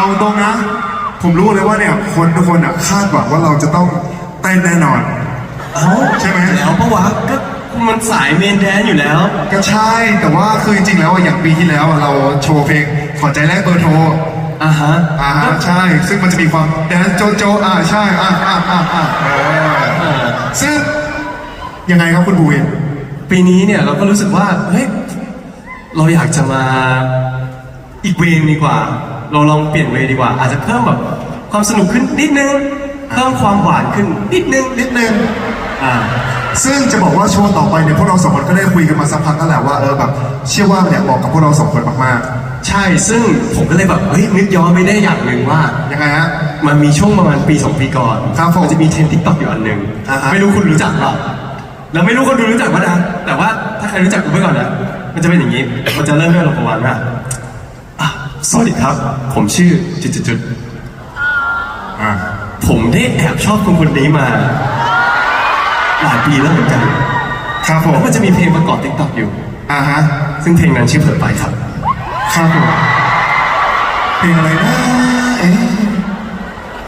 เอาตรงนะผมรู้เลยว่าเนี่ยคนทุกคนคาดหวังว่าเราจะต้องเต้นแน่นอนใช่ไหมแล้วปะวะก็มันสายเมนแดนอยู่แล้วก็ใช่แต่ว่าคือจริงๆแล้วอย่างปีที่แล้วเราโชว์เพลงขอใจแรกเบอร์โทรใช่ซึ่งมันจะมีความแดนโจโจใช่ซึ่งยังไงครับคุณบูวินปีนี้เนี่ยเราก็รู้สึกว่าเฮ้ยเราอยากจะมาอีกเวย์ดีกว่าเราลองเปลี่ยนเวย์ดีกว่าอาจจะเพิ่มแบบความสนุกขึ้นนิดนึงเพิ่มความหวานขึ้นนิดนึงซึ่งจะบอกว่าโชว์ต่อไปเนี่ยพวกเราสองคนก็ได้คุยกันมาสักพักแล้วแหละว่าแบบเชื่อว่าเนี่ยเหมาะกับพวกเราสองคนมากๆใช่ซึ่งผมก็เลยแบบเฮ้ยนึกย้อนไปได้อย่างหนึ่งว่ายังไงฮะมันมีช่วงประมาณปี2 ปีก่อนมันจะมีเทรนด์ TikTok อยู่อันหนึ่งไม่รู้คุณรู้จักเปล่าแล้วไม่รู้คนดูรู้จักป่ะนะแต่ว่าถ้าใครรู้จักกูไว้ก่อนนะมันจะเป็นอย่างนี้มันจะเริ่มด้วยประมาณว่าสวัสดีครับผมชื่อจุดผมได้แอบชอบคนนี้มาหลายปีแล้วเหมือนกันครับผมแล้วมันจะมีเพลงประกอบ TikTok อยู่ซึ่งเพลงนั้นชื่อเผลอไปครับครับผมเพลงอะไรนะ